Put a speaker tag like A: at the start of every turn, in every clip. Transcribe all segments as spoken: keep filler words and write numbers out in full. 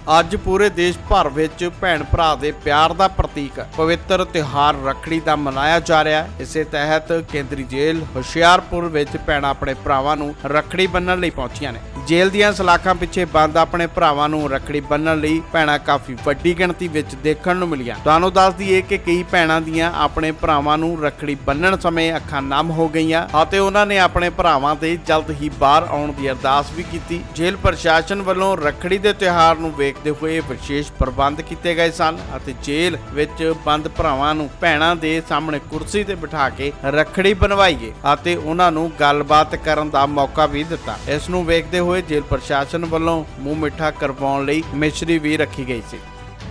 A: ਅੱਜ ਪੂਰੇ ਦੇਸ਼ ਭਰ ਵਿੱਚ ਭੈਣ ਭਰਾ ਦੇ ਪਿਆਰ ਦਾ ਪ੍ਰਤੀਕ ਪਵਿੱਤਰ ਤਿਉਹਾਰ ਰੱਖੜੀ ਦਾ ਮਨਾਇਆ ਜਾ ਰਿਹਾ ਹੈ। ਇਸੇ ਤਹਿਤ ਕੇਂਦਰੀ ਜੇਲ੍ਹ ਹੁਸ਼ਿਆਰਪੁਰ ਵਿੱਚ ਭੈਣਾਂ ਆਪਣੇ ਭਰਾਵਾਂ ਨੂੰ ਰੱਖੜੀ ਬੰਨ੍ਹਣ ਲਈ ਪਹੁੰਚੀਆਂ ਨੇ। ਜੇਲ੍ਹ ਦੀਆਂ ਸਲਾਖਾਂ ਪਿੱਛੇ ਬੰਦ ਆਪਣੇ ਭਰਾਵਾਂ ਨੂੰ ਰੱਖੜੀ ਬੰਨ੍ਹਣ ਲਈ ਭੈਣਾਂ ਕਾਫੀ ਵੱਡੀ ਗਿਣਤੀ ਵਿੱਚ ਦੇਖਣ ਨੂੰ ਮਿਲੀਆਂ। ਤੁਹਾਨੂੰ ਦੱਸ ਦਈਏ ਕਿ ਕਈ ਭੈਣਾਂ ਦੀਆਂ ਆਪਣੇ ਭਰਾਵਾਂ ਨੂੰ ਰੱਖੜੀ ਬੰਨ੍ਹਣ ਸਮੇਂ ਅੱਖਾਂ ਨਮ ਹੋ ਗਈਆਂ ਅਤੇ ਉਹਨਾਂ ਨੇ ਆਪਣੇ ਭਰਾਵਾਂ ਦੇ ਜਲਦ ਹੀ ਬਾਹਰ ਆਉਣ ਦੀ ਅਰਦਾਸ ਵੀ ਕੀਤੀ। ਜੇਲ੍ਹ ਪ੍ਰਸ਼ਾਸਨ ਵੱਲੋਂ ਰੱਖੜੀ ਦੇ ਤਿਉਹਾਰ ਨੂੰ ਵੇਖਦੇ ਹੋਏ ਵਿਸ਼ੇਸ਼ ਪ੍ਰਬੰਧ ਕੀਤੇ ਗਏ ਸਨ ਅਤੇ ਜੇਲ੍ਹ ਵਿੱਚ ਬੰਦ ਭਰਾਵਾਂ ਨੂੰ ਭੈਣਾਂ ਦੇ ਸਾਹਮਣੇ ਕੁਰਸੀ ਤੇ ਬਿਠਾ ਕੇ ਰੱਖੜੀ ਬੰਨਵਾਈ ਗਈ ਅਤੇ ਉਹਨਾਂ ਨੂੰ ਗੱਲਬਾਤ ਕਰਨ ਦਾ ਮੌਕਾ ਵੀ ਦਿੱਤਾ। ਇਸ ਨੂੰ ਵੇਖਦੇ ਹੋਏ ਜੇਲ੍ਹ ਪ੍ਰਸ਼ਾਸਨ ਵੱਲੋਂ ਮੂੰਹ ਮਿੱਠਾ ਕਰਵਾਉਣ ਲਈ ਮਿਸ਼ਰੀ ਵੀ ਰੱਖੀ ਗਈ ਸੀ।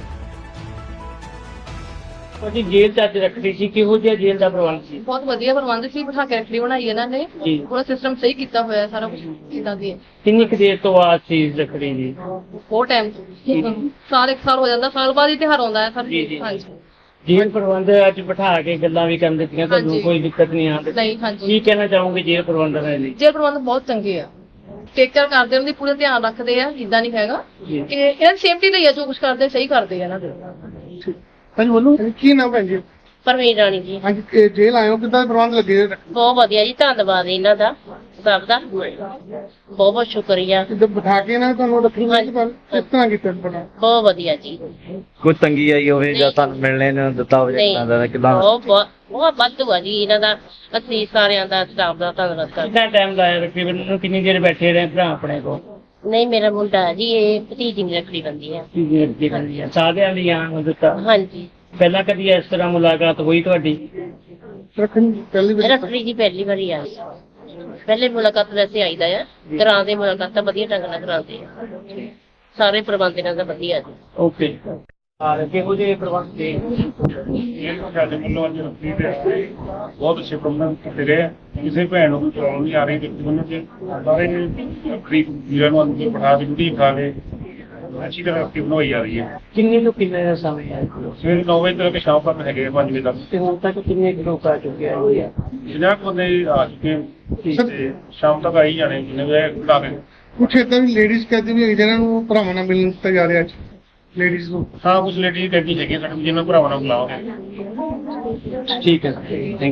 B: ਜੀ ਜੇਲ੍ਹ ਚ ਅੱਜ ਰੱਖੜੀ ਸੀ, ਕਿਹੋ ਜਿਹਾ ਜੇਲ੍ਹ ਦਾ ਪ੍ਰਬੰਧ ਸੀ?
C: ਬਹੁਤ ਵਧੀਆ ਪ੍ਰਬੰਧ ਸੀ, ਬਿਠਾ ਕੇ ਰੱਖੜੀ ਬਣਾਈ ਇਹਨਾਂ ਨੇ।
B: ਜੀ।
C: ਪੂਰਾ ਸਿਸਟਮ ਸਹੀ ਕੀਤਾ ਹੋਇਆ, ਸਾਰਾ ਕੁਝ ਇਦਾਂ ਦੀ ਹੈ।
B: ਕਿੰਨੀ ਕੁ ਦੇਰ ਤੋਂ ਬਾਅਦ ਸੀ ਰੱਖੜੀ ਜੀ?
C: ਬਹੁਤ ਟਾਈਮ ਸਾਲ ਇੱਕ ਸਾਲ ਹੋ ਜਾਂਦਾ, ਸਾਲ ਬਾਅਦ ਹੀ ਤਿਉਹਾਰ ਆਉਂਦਾ ਹੈ ਸਰ।
B: ਜੀ, ਜੀ।
C: ਹਾਂਜੀ
B: ਜੇਲ੍ਹ ਪ੍ਰਬੰਧ ਅੱਜ ਬਿਠਾ ਕੇ ਗੱਲਾਂ ਵੀ ਕਰਨ ਦਿੱਤੀਆਂ, ਤੁਹਾਨੂੰ
C: ਹਾਂਜੀ।
B: ਕੋਈ ਦਿੱਕਤ ਨਹੀਂ ਆਉਂਦੀ?
C: ਨਹੀਂ, ਹਾਂਜੀ।
B: ਕੀ ਕਹਿਣਾ ਚਾਹੋਗੇ ਜੇਲ੍ਹ ਪ੍ਰਬੰਧਾਂ ਲਈ?
C: ਜੇਲ੍ਹ ਪ੍ਰਬੰਧ ਬਹੁਤ ਚੰਗੇ ਆ, ਟੇਕ ਕੇਅਰ ਕਰਦੇ, ਉਹਨਾਂ ਦੀ ਪੂਰਾ ਧਿਆਨ ਰੱਖਦੇ ਆ। ਇਦਾਂ ਨਹੀਂ ਹੈਗਾ
B: ਜੀ।
C: ਕਿ ਇਹਨਾਂ ਦੀ ਸੇਫਟੀ ਲਈ ਆ, ਜੋ ਕੁਝ ਕਰਦੇ ਸਹੀ ਕਰਦੇ ਆ ਇਹਨਾਂ ਦੇ।
D: ਹਾਂਜੀ ਬੋਲੋ, ਕੀ ਨਾਮ ਭੈਣ ਜੀ?
E: ਪਰਵੀਨ ਰਾਣੀ ਜੀ।
D: ਹਾਂਜੀ, ਇਹ ਜੇਲ੍ਹ ਆਏ ਹੋ, ਕਿੱਦਾਂ ਪ੍ਰਬੰਧ ਲੱਗੇ?
E: ਬਹੁਤ ਵਧੀਆ ਜੀ, ਧੰਨਵਾਦ ਇਹਨਾਂ ਦਾ ਸਭ ਦਾ, ਬਹੁਤ ਬਹੁਤ ਸ਼ੁਕਰੀਆ।
D: ਕਿੱਦਾਂ ਬਿਠਾ ਕੇ ਨਾ ਤੁਹਾਨੂੰ ਰੱਖੜੀ ਬੰਨ੍ਹੀ ਪਰ ਕਿਸ ਤਰ੍ਹਾਂ ਕੀਤਾ ਬਣਾ?
E: ਬਹੁਤ ਵਧੀਆ ਜੀ।
F: ਕੋਈ ਤੰਗੀ ਆਈ ਹੋਵੇ ਜਾਂ ਤੁਹਾਨੂੰ ਮਿਲਣੇ ਨੂੰ ਦਿੱਤਾ ਹੋਵੇ
E: ਨਹੀਂ,
F: ਜਾਂ ਦਾ ਕਿਦਾਂ?
E: ਬਹੁਤ ਬਹੁਤ ਬਹੁਤ ਵਾਧੂ ਆ ਜੀ ਇਹਨਾਂ ਦਾ। ਅਸੀਂ ਸਾਰਿਆਂ ਦਾ ਸਟਾਫ ਦਾ ਧੰਨਵਾਦ ਕਰਦੇ।
B: ਕਿੰਨਾ ਟਾਈਮ ਲਾਇਆ ਰੱਖੜੀ ਬੰਨ੍ਹਣ ਨੂੰ? ਕਿੰਨੀ ਦੇਰ ਬੈਠੇ ਰਹੇ ਭਰਾ ਆਪਣੇ ਕੋਲ?
E: ਨਹੀਂ, ਮੇਰਾ ਮੁੰਡਾ ਜੀ, ਇਹ ਭਤੀਜੀ ਦੀ ਰੱਖੜੀ ਬੰਦੀ ਹੈ।
B: ਕੀ ਦੇਰ ਦੀ ਬੰਦੀ ਆ? ਸਾਰਿਆਂ ਲਈ ਆਉਣ ਨੂੰ ਦਿੱਤਾ?
E: ਹਾਂਜੀ।
B: ਪਹਿਲਾਂ ਕਦੀ ਇਸ ਤਰ੍ਹਾਂ ਮੁਲਾਕਾਤ ਹੋਈ ਤੁਹਾਡੀ?
D: ਰੱਖੜੀ ਪਹਿਲੀ ਵਾਰ
E: ਰੱਖੜੀ ਜੀ ਪਹਿਲੀ ਵਾਰੀ ਆ। ਪਹਿਲੇ ਮੁਲਾਕਾਤ ਵੈਸੇ ਆਈਦਾ ਆ, ਕਰਾਉਂਦੇ ਮੁਲਾਕਾਤ ਤਾਂ ਵਧੀਆ ਢੰਗ ਨਾਲ ਕਰਾਉਂਦੇ ਆ। ਸਾਰੇ ਪ੍ਰਬੰਧ ਇਹਨਾਂ ਦਾ ਵਧੀਆ ਜੀ।
B: ਓਕੇ। ਆ ਕਿਹੋ ਜਿਹੇ ਪ੍ਰਬੰਧ ਦੇ?
G: ਸਾਡੇ ਵੱਲੋਂ ਅੱਜ ਰੱਖੜੀ ਦੇ ਬਹੁਤ ਅੱਛੇ ਪ੍ਰਬੰਧ ਕੀਤੇ ਗਏ। ਕਿਸੇ ਭੈਣ ਨੂੰ ਕੋਈ ਪ੍ਰੋਬਲਮ ਨਹੀਂ ਆ ਰਹੀ ਰੱਖੜੀ ਬੰਨ੍ਹਣ 'ਚ। ਸਾਰੇ ਰੱਖੜੀ ਵੀਰਾਂ ਨੂੰ ਅੰਦਰ ਬਿਠਾ ਕੇ ਡਿਊਟੀ ਖਾ ਕੇ ਅੱਛੀ ਤਰ੍ਹਾਂ ਰੱਖੜੀ ਬਣਵਾਈ ਜਾ ਰਹੀ ਹੈ।
B: ਕਿੰਨੇ ਤੋਂ ਕਿੰਨੇ ਦਾ ਸਮੇਂ ਹੈ?
G: ਸਵੇਰੇ ਨੌ ਵਜੇ ਤੱਕ ਸ਼ਾਮ ਤੱਕ ਹੈਗੇ ਪੰਜ ਵਜੇ ਤੱਕ।
B: ਤੇ ਹੁਣ ਤੱਕ ਕਿੰਨੇ ਕੁ ਲੋਕ ਆ ਚੁੱਕੇ ਆ?
G: ਜਿੰਨਾ ਕੁ ਬੰਦੇ ਆ ਚੁੱਕੇ ਤੇ ਸ਼ਾਮ ਤੱਕ ਆਈ ਜਾਣੇ ਜਿੰਨੇ ਵਜੇ ਬਣਾ ਕੇ।
D: ਕੁਛ ਏਦਾਂ ਵੀ ਲੇਡੀਜ਼ ਕਹਿੰਦੀ ਵੀ ਹੈਗੀ ਜਿਹਨਾਂ ਨੂੰ ਭਰਾਵਾਂ ਨਾਲ ਮਿਲਣ ਦਿੱਤਾ ਜਾ ਰਿਹਾ ਅੱਜ ਲੇਡੀਜ਼ ਨੂੰ।
G: ਹਾਂ, ਕੁਝ ਲੇਡੀਜ਼ ਕਹਿੰਦੀ ਹੈਗੀ ਸਾਡੇ ਜਿਹਨਾਂ ਭਰਾਵਾਂ ਨਾਲ ਬੁਲਾਓਗੇ।
B: ਠੀਕ ਹੈ।